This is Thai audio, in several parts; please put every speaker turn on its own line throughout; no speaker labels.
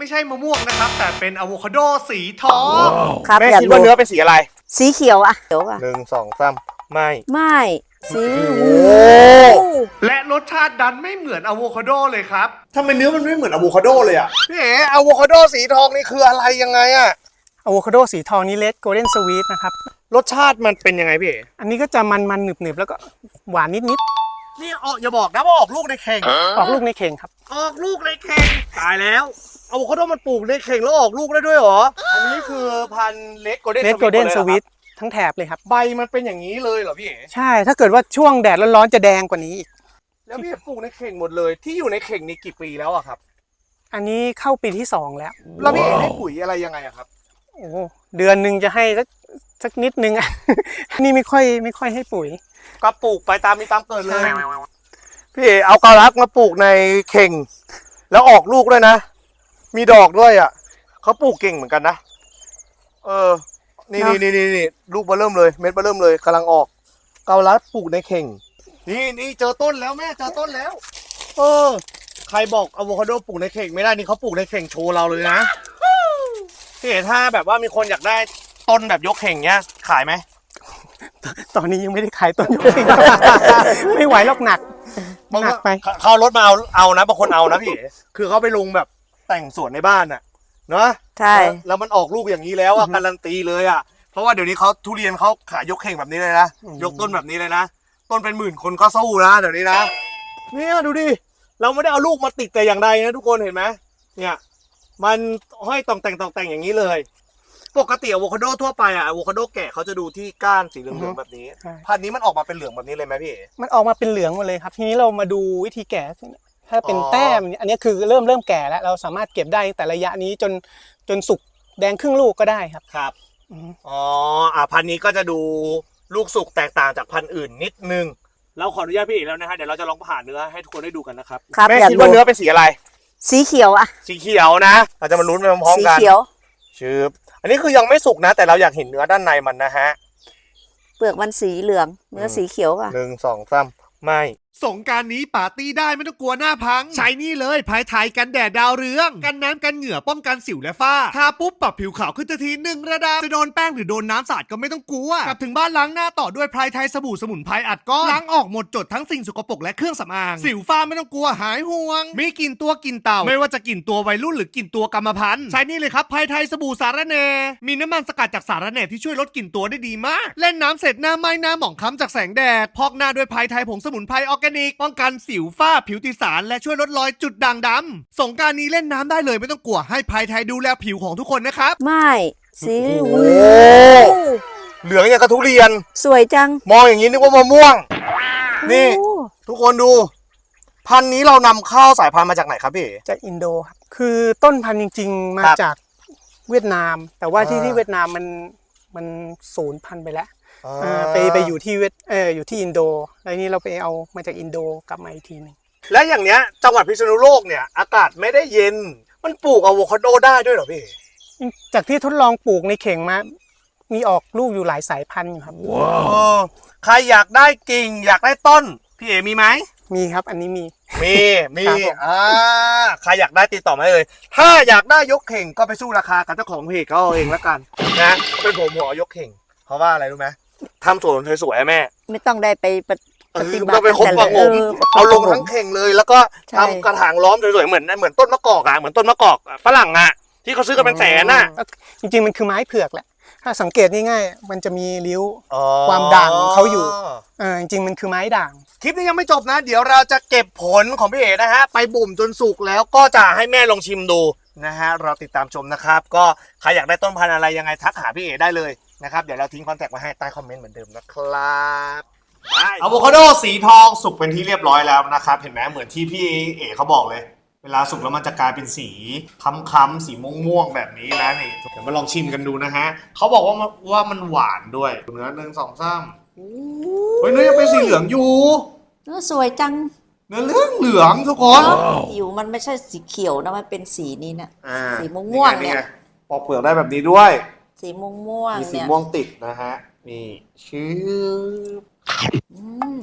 ไม่ใช่มะม่วงนะครับแต่เป็นอะโวคาโดสีทอง
ครับ
แม่
อยาก
คิด
ดู
ว่าเนื้อเป็นสีอะไร
สีเขียวอะเขียวอะ
1 2 3ไม่
ไม่สี
โอ้
และรสชาติดันไม่เหมือนอะโวคาโดเลยครับ
ทำไมเนื้อมันไม่เหมือนอะโวคาโดเลยอ่ะพี่เอ๋อะโวคาโดสีทองนี่คืออะไรยังไงอ่ะ
อะโวคาโดสีทองนี้เลดโกลเด้นสวีทนะครับ
รสชาติมันเป็นยังไงพี่เอ๋
อันนี้ก็จะมันๆหนึบๆแล้วก็หวานนิด
นี่ออกอย่าบอกนะว่าออกลูกในเข่ง
ๆ ออกลูกในเข่งครับ
ออกลูกในเข่งตายแล้วอะโวคาโดมันปลูกในเข่งแล้วออกลูกได้ด้วยเหรออันนี้คือพันธุ์เลดโกลเด้น
เลดโกลเด้นสวีททั้งแถบเลยครับ
ใบมันเป็นอย่างนี้เลยเหรอพี่เอ๋
ใช่ ถ้าเกิดว่าช่วงแดดร้อนๆจะแดงกว่านี้อีก
แล้วพี่ปลูกในเข่งหมดเลยที่อยู่ในเข่งนี่กี่ปีแล้วอะครับ
อันนี้เข้าปีที่ 2 แล้ว
แล้วพี่เอ๋ให้ปุ๋ยอะไรยังไงอะครับ
โอ้เดือนหนึ่งจะให้สักนิดนึง อันนี้ไม่ค่อยให้ปุ๋ย
ก็ปลูกไปตามมีตามเกิดเลย
ใช่
พี่เอ๋เอากาลักมาปลูกในเข่ง แล้วออกลูกด้วยนะ มีดอกด้วยอ่ะเขาปลูกเก่งเหมือนกันนะนี่ลูกเบอร์เริ่มเลยเม็ดเบอร์เริ่มเลยกำลังออกเกาลัดปลูกในเข่งนี่เจอต้นแล้วแม่เจอต้นแล้วใครบอกอะโวคาโดปลูกในเข่งไม่ได้นี่เขาปลูกในเข่งโชว์เราเลยนะพี่เอ๋ถ้าแบบว่ามีคนอยากได้ต้นแบบยกเข่งเนี้ยขายไหม
ตอนนี้ยังไม่ได้ขายต้นยกเข่ง ไม่ไหวหรอกหนัก หนักไป
เขาเอารถมาเอานะบางคนเอานะพี่เอ๋คือเขาไปลงแบบแต่งสวนในบ้านน่ะเนาะ
ใช่
แล้วมันออกลูกอย่างนี้แล้วอะการันตีเลยอะเพราะว่าเดี๋ยวนี้เขาทุเรียนเขาขายยกเข่งแบบนี้เลยนะยกต้นแบบนี้เลยนะต้นเป็นหมื่นคนก็สู้นะเดี๋ยวนี้นะเนี่ยดูดิเราไม่ได้เอาลูกมาติดแต่อย่างใดนะทุกคนเห็นไหมเนี่ยมันห้อยต่องแต่งอย่างนี้เลย ปกติอะโวคาโดทั่วไปอะอะโวคาโดแก่เขาจะดูที่ก้านสีเหลืองๆแบบนี้
ใช่
พันธุ์นี้มันออกมาเป็นเหลืองแบบนี้เลยไหมพี่เอ๋
มันออกมาเป็นเหลืองหมดเลยครับ ทีนี้เรามาดูวิธีแก่ถ้าเป็น
อ๋อ
แต้มอันนี้คือเริ่มแก่แล้ว เราสามารถเก็บได้แต่ระยะนี้จนสุกแดงครึ่งลูกก็ได้ครับ
ครับ
อืม
พันธุ์นี้ก็จะดูลูกสุกแตกต่างจากพันธุ์อื่นนิดนึงเราขออนุญาตพี่เอ๋แล้วนะฮะเดี๋ยวเราจะลองผ่าเนื้อให้ทุกคนได้ดูกันนะครับ
ครับ
แม่
อยาก
คิด
ดู
ว่าเนื้อเป็นสีอะไร
สีเขียวอะ
สีเขียวนะ เราจะมาลุ้นไปพร้อม
สี
ๆกัน
เขียว
ชืบอันนี้คือยังไม่สุกนะ แต่เราอยากเห็นเนื้อด้านในมันนะฮะ
เปลือกมันสีเหลืองเนื้อสีเขียวอะ
1 2 3ไม่
สงกรานต์นี้ปาร์ตี้ได้ไม่ต้องกลัวหน้าพัง ใช้นี่เลยภายไทยกันแดดดาวเรือง กันน้ำกันเหงื่อป้องกันสิวและฝ้าทาปุ๊บปรับผิวขาวขึ้นทันที1 ระดับจะโดนแป้งหรือโดนน้ำสาดก็ไม่ต้องกลัวกลับถึงบ้านล้างหน้าต่อด้วยภายไทยสบู่สมุนไพรอัดก้อนล้างออกหมดจดทั้งสิ่งสกปรกและเครื่องสำอางสิวฝ้าไม่ต้องกลัวหายห่วง มีกลิ่นตัวกลิ่นเต่าไม่ว่าจะกลิ่นตัววัยรุ่นหรือกลิ่นตัวกรรมพันธุ์ใช้นี่เลยครับภายไทยสบู่สารแหน่มีน้ำมันสกัดจากสารแหน่ที่ช่วยลดกลิ่นตัวได้ดีมากเล่นน้ำเสร็จหน้าไหม้หน้าหมองคล้ำจากแสงแดดพอกหน้าด้วยภายไทยผงสมุนไพรออร์แกนิกป้องกันสิวฝ้าผิวติดสารและช่วยลดรอยจุดด่างดำสงกรานต์นี้เล่นน้ำได้เลยไม่ต้องกลัวให้ภายไทยดูแลผิวของทุกคนนะครับ
ไม่สี
โอ้เหลืองอย่างกระทุเรียน
สวยจัง
มองอย่างนี้นึกว่ามะม่วง นี่
โอ้
ทุกคนดู พันธุ์นี้เรานำเข้าสายพันธุ์มาจากไหนครับพี่เอ๋
จากอินโดครับคือต้นพันธุ์จริงๆ มา
ครับ
จากเวียดนาม แต่ว่าที่
อ่า
ที่เวียดนามมันสูญพันธุ์ไปแล้ว ไปอยู่ที่อยู่ที่อินโดแล้วนี่เราไปเอามาจากอินโดกลับมาอีกทีหนึง
และอย่างเนี้ยจังหวัดพิษณุโลกเนี่ยอากาศไม่ได้เย็น มันปลูกอะโวคาโดได้ด้วยเหรอพี่เอ๋
จากที่ทดลองปลูกในเข่งมามีออกลูกอยู่หลายสายพันธุ์อยู่ครับ
ใครอยากได้กิ่งอยากได้ต้น พี่เอ๋มีไหม
มีครับอันนี้มี
มี
ครับผม
ใครอยากได้ติดต่อมาได้เลย ถ้าอยากได้ยกเข่งก็ไปสู้ราคากับเจ้าของเพจเขาเอาเองแล้วกันนะเป็นผมหัวยกเข่งเพราะว่าอะไรรู้ไหมทำสวนสวยๆอะแม่
ไม่ต้องได้ไปปฏิบัติ
ต้องไปคบประงม
ประคบ
เอาลง
ประห
ทั้งเข่งเลย แล้วก็
ใช่
ทำกระถางล้อมสวยๆเหมือนต้นมะกอกอะเหมือนต้นมะกอกฝรั่งอะที่เขาซื้อกันเป็นแสนอะ
จริงๆมันคือไม้เผือกแหละ ถ้าสังเกตง่ายๆมันจะมีริ้ว ความด่างของเขาอยู่ จริงๆมันคือไม้ด่าง
คลิปนี้ยังไม่จบนะ เดี๋ยวเราจะเก็บผลของพี่เอ๋นะฮะไปบ่มจนสุกแล้วก็จะให้แม่ลองชิมดูนะฮะเราติดตามชมนะครับ ก็ใครอยากได้ต้นพันธุ์อะไรยังไงทักหาพี่เอ๋ได้เลยนะครับเดี๋ยวเราทิ้งคอนแทคไว้ให้ใต้คอมเมนต์เหมือนเดิมนะครับอะโวคาโดสีทองสุกเป็นที่เรียบร้อยแล้วนะครับเห็นไหมเหมือนที่พี่เอ๋เขาบอกเลย เวลาสุกแล้วมันจะกลายเป็นสีค้ำๆสีม่วงๆแบบนี้นะนี่เดี๋ยวมาลองชิมกันดูนะฮะเขาบอกว่ามันหวานด้วยเนื้อ1 2 3เฮ้ยเนื้อยังเป็นสีเหลืองอยู่
เนื้อสวยจัง
เนื้อเหลืองทุกคน
ผิวมันไม่ใช่สีเขียวนะมันเป็นสีนี้นะ
อ่า
สีม่วงๆเนี่ย
ไปอกเปลือกได้แบบนี้ด้วย
สีม่วง
มี
ๆ
สี
เนี่ย
ม่วงติดนะฮะนี่ชื่อ
อืม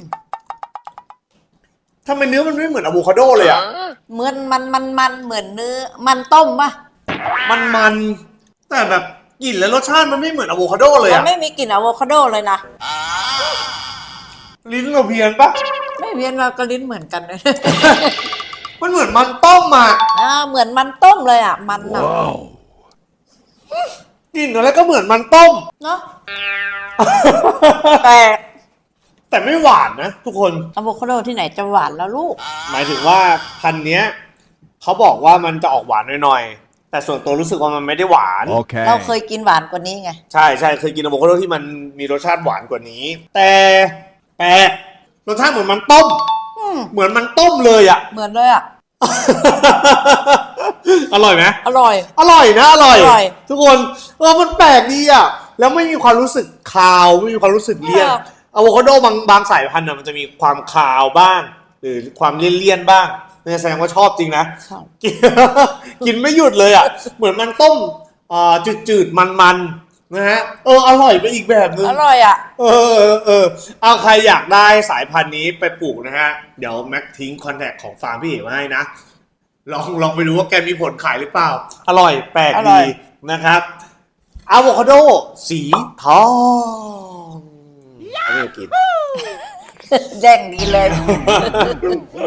ทำไมเนื้อมันไม่เหมือนอะโวคาโดเลยอ่ะ
เหมือนมันเหมือนเนื้อมันต้มป่ะ
มันแต่แบบกลิ่นและรสชาติมันไม่เหมือนอะโวคาโดเลย
มัน
อะ
ไม่มีกลิ่นอะโวคาโดเลยนะ
ลิ้นเราเพี้ยนปะ
ไม่เวียนมากระลิ้นเหมือนกันเลย
มันเหมือนมันต้มอะ
เหมือนมันต้มเลยอ่ะมันอ่ะ
กลิ่นอะไรก็เหมือนมันต้ม
เนาะแต่
แต่ไม่หวานนะทุกคน
อะโวคาโดที่ไหนจะหวานแล้วลูก
หมายถึงว่าพันธุ์เนี้ยเขาบอกว่ามันจะออกหวานหน่อยๆแต่ส่วนตัวรู้สึกว่ามันไม่ได้หวาน
Okay.
เราเคยกินหวานกว่านี้ไง
ใช่เคยกินอะโวคาโดที่มันมีรสชาติหวานกว่านี้ แต่แปลกรสชาติเหมือนมันต้ม เหมือนมันต้มเลยอะ
เหมือนเลยอ่ะ
อร่อยไหม
อร่อย
อร่อยนะอร่อย
อร่อย
ทุกคนมันแปลกดีอะแล้วไม่มีความรู้สึกคาวไม่มีความรู้สึกเลี่ยนอะโวคาโดบางสายพันธุ์น่ะมันจะมีความคาวบ้าง หรือความเลี่ยนๆบ้างนี่แสดงว่าชอบจริงนะ
ชอบ
กินไม่หยุดเลยอ่ะ เหมือนมันต้มจืดๆมันๆนะฮะอร่อยไปอีกแบบนึง
อร่อยอ่ะ
เอาใครอยากได้สายพันธุ์นี้ไปปลูกนะฮะเดี๋ยวแม็กทิ้งคอนแทคของฟาร์มพี่เอ๋มาให้นะลองไปดูว่าแกมีผลขายหรือเปล่า อร่อยแปลก
อร่
ดี
อย
นะครับอะโวคาโดสีทองไม่ได้กิน
แย่งดีเลย